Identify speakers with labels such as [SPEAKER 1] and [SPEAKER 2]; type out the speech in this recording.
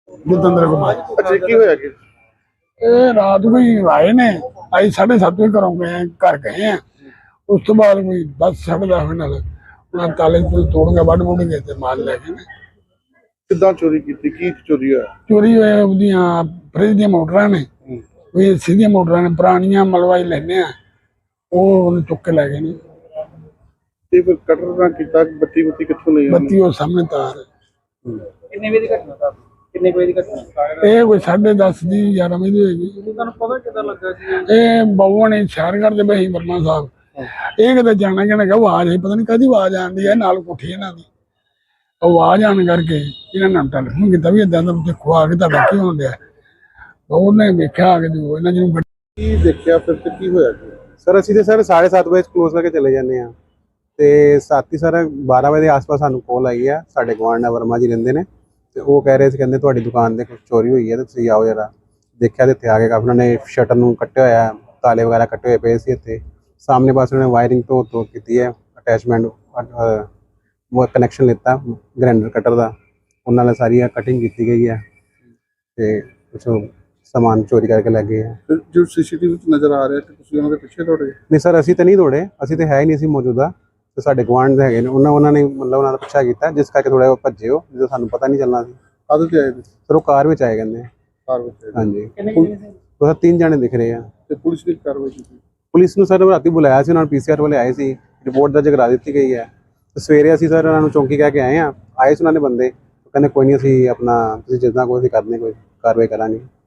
[SPEAKER 1] ਜਤਿੰਦਰ ਕੁਮਾਰ।
[SPEAKER 2] ਅੱਛਾ ਕੀ ਹੋਇਆ ਕਿ
[SPEAKER 1] ਇਹ ਰਾਤ ਕੋਈ ਆਏ ਨੇ, ਅਸੀਂ 7:30 ਵਜੇ ਘਰੋਂ ਗਏ, ਘਰ ਗਏ ਆ। ਉਸ ਤੋਂ ਬਾਅਦ ਕੋਈ 10 ਸਾਢੇ 10 ਨਾਲ ਉਹਨਾਂ ਤਾਲੇ ਤੋੜ ਕੇ ਵੱਢ ਵੁੱਢ ਕੇ ਤੇ ਮਾਲ ਲੈ ਗਏ ਨੇ।
[SPEAKER 2] ਕਿੱਦਾਂ ਚੋਰੀ ਕੀਤੀ, ਕੀ ਚੋਰੀ ਹੋਇਆ?
[SPEAKER 1] ਚੋਰੀ ਹੋਏ ਉਹਦੀਆਂ ਫਰਿੱਜ ਦੀਆਂ ਮੋਟਰਾਂ ਨੇ, ਕੋਈ ਸਿੱਧੀਆਂ ਮੋਟਰਾਂ ਨੇ, ਪੁਰਾਣੀਆਂ ਮਲਵਾਈ ਲੈਨੇ ਆ, ਉਹ ਉਹਨੇ ਚੁੱਕ ਕੇ ਲੈ ਗਏ ਨੇ।
[SPEAKER 2] ਤੇ ਫਿਰ ਕਟਰ ਨਾਲ ਕੀਤਾ, ਬੱਤੀ ਬੁੱਤੀ ਕਿੱਥੋਂ ਲਈ?
[SPEAKER 1] ਬੱਤੀ ਉਹ ਸਾਹਮਣੇ ਤਾਰ।
[SPEAKER 3] ਕਿੰਨੇ ਵਜੇ ਦੀ ਘਟਨਾ ਦਾ? ਕਿੰਨੇ ਵਜੇ ਦੀ ਘਟਨਾ?
[SPEAKER 1] ਇਹ ਕੋਈ 10:30 ਦੀ 11 ਵਜੇ ਦੀ ਹੋਏਗੀ।
[SPEAKER 3] ਤੁਹਾਨੂੰ ਪਤਾ ਕਿੱਦਾਂ ਲੱਗਾ ਜੀ?
[SPEAKER 1] ਇਹ ਬਾਬੂਆਂ ਨੇ ਸ਼ਹਿਰ ਕਰਦੇ ਪਏ ਸੀ ਵਰਮਾ ਸਾਹਿਬ। ਇਹ ਕਿਤੇ ਜਾਣਾ ਕਿ ਆਵਾਜ਼ ਆਈ, ਪਤਾ ਨਹੀਂ ਕਾਹਦੀ ਆਵਾਜ਼ ਆਉਂਦੀ ਹੈ, ਨਾਲ ਕੋਠੀ ਇਹਨਾਂ ਦੀ ਆਵਾਜ਼ ਆਉਣ ਕਰਕੇ ਇਹਨਾਂ ਨੇ ਟੈਲੀਫੋਨ ਕੀਤਾ ਵੀ ਏਦਾਂ ਦਾ ਦੇਖੋ ਆ ਕੇ ਤੁਹਾਡਾ ਕੀ ਹੋਣ ਡਿਆ। ਉਹਨੇ ਵੇਖਿਆ ਆ ਕੇ ਇਹਨਾਂ ਜਿਹਨੂੰ
[SPEAKER 2] ਕੀ ਦੇਖਿਆ ਫਿਰ ਤੇ ਕੀ ਹੋਇਆ?
[SPEAKER 4] ਸਰ ਅਸੀਂ ਤੇ ਸਰ 7:30 ਵਜੇ ਕਲੋਜ਼ ਕਰਕੇ ਚਲੇ ਜਾਂਦੇ ਆ ਤੇ ਸਾਥੀ ਸਰ 12 ਵਜੇ ਦੇ ਆਸ-ਪਾਸ ਸਾਨੂੰ ਕਾਲ ਆਈ ਆ। ਸਾਡੇ ਗੁਆਂਢ ਨਾਲ ਵਰਮਾ ਜੀ ਰਹਿੰਦੇ ਨੇ ਤੇ ਉਹ ਕਹਿ ਰਹੇ ਸੀ, ਕਹਿੰਦੇ ਤੁਹਾਡੀ ਦੁਕਾਨ ਤੇ ਕੁਝ ਚੋਰੀ ਹੋਈ ਹੈ ਤੇ ਤੁਸੀਂ ਆਓ ਜਰਾ। ਦੇਖਿਆ ਤੇ ਇੱਥੇ ਆ ਕੇ ਕਾਫੀ ਉਹਨਾਂ ਨੇ ਸ਼ਟਰ ਨੂੰ ਕੱਟਿਆ ਹੋਇਆ, ਤਾਲੇ ਵਗੈਰਾ ਕੱਟੇ ਹੋਏ ਪਏ ਸੀ। ਇੱਥੇ ਸਾਹਮਣੇ ਪਾਸੇ ਉਹਨੇ ਵਾਇਰਿੰਗ ਤੋਂ ਕੀਤੀ ਹੈ, ਅਟੈਚਮੈਂਟ ਉਹ ਕਨੈਕਸ਼ਨ ਲਿੱਤਾ ਗ੍ਰਾਈਂਡਰ ਕਟਰ ਦਾ, ਉਹਨਾਂ ਨਾਲ ਸਾਰੀ ਕਟਿੰਗ ਕੀਤੀ ਗਈ ਹੈ ਤੇ ਕੁਛ ਸਮਾਨ ਚੋਰੀ ਕਰਕੇ ਲੈ ਗਏ ਆ।
[SPEAKER 2] ਜੋ ਸੀਸੀਟੀਵੀ ਵਿੱਚ ਨਜ਼ਰ ਆ ਰਿਹਾ ਕਿ ਤੁਸੀਂ ਉਹਨਾਂ ਦੇ ਪਿੱਛੇ ਦੌੜੇ?
[SPEAKER 4] ਨਹੀਂ ਸਰ, ਅਸੀਂ ਤਾਂ ਨਹੀਂ ਦੌੜੇ, ਅਸੀਂ ਤਾਂ ਹੈ ਹੀ ਨਹੀਂ ਸੀ ਮੌਜੂਦਾ। ਤੇ ਸਾਡੇ ਗੁਆਂਢ ਦੇ ਹੈਗੇ ਨੇ, ਉਹਨਾਂ ਨੇ ਮਤਲਬ ਉਹਨਾਂ ਦਾ ਪਿੱਛਾ ਕੀਤਾ, ਜਿਸ ਕਰਕੇ ਥੋੜਾ ਭੱਜੇ ਉਹ, ਜਦੋਂ ਸਾਨੂੰ ਪਤਾ ਨਹੀਂ ਚੱਲਣਾ ਸੀ।
[SPEAKER 2] ਕਾਹਦੇ ਤੇ ਆਏ ਤੁਸੀਂ?
[SPEAKER 4] ਸਰ ਉਹ ਕਾਰ ਵਿੱਚ ਆਏ ਕਹਿੰਦੇ।
[SPEAKER 2] ਕਾਰ ਵਿੱਚ ਆਏ?
[SPEAKER 4] ਹਾਂਜੀ,
[SPEAKER 3] ਕਿੰਨੇ ਜਣੇ ਸੀ?
[SPEAKER 4] ਉਹ 3 ਜਣੇ ਦਿਖ ਰਹੇ ਆ।
[SPEAKER 2] ਤੇ ਪੁਲਿਸ ਦੀ ਕਾਰਵਾਈ ਕੀਤੀ?
[SPEAKER 4] ਪੁਲਿਸ ਨੂੰ ਸਰ ਰਾਤੀ ਬੁਲਾਇਆ ਸੀ, ਉਹਨਾਂ ਨੂੰ PCR ਵਾਲੇ ਆਏ ਸੀ, ਰਿਪੋਰਟ ਦਰਜ ਕਰਾ ਦਿੱਤੀ ਗਈ ਹੈ। ਤੇ ਸਵੇਰੇ ਅਸੀਂ ਸਰ ਉਹਨਾਂ ਨੂੰ ਚੌਂਕੀ ਕਹਿ ਕੇ ਆਏ ਆ, ਆਏ ਸੀ ਉਹਨਾਂ ਨੇ ਬੰਦੇ, ਕਹਿੰਦੇ ਕੋਈ ਨਹੀਂ ਅਸੀਂ ਆਪਣਾ ਤੁਸੀਂ ਜਿੱਦਾਂ ਕੋਈ ਅਸੀਂ ਕਰਦੇ ਕੋਈ ਕਾਰਵਾਈ ਕਰਾਂਗੇ।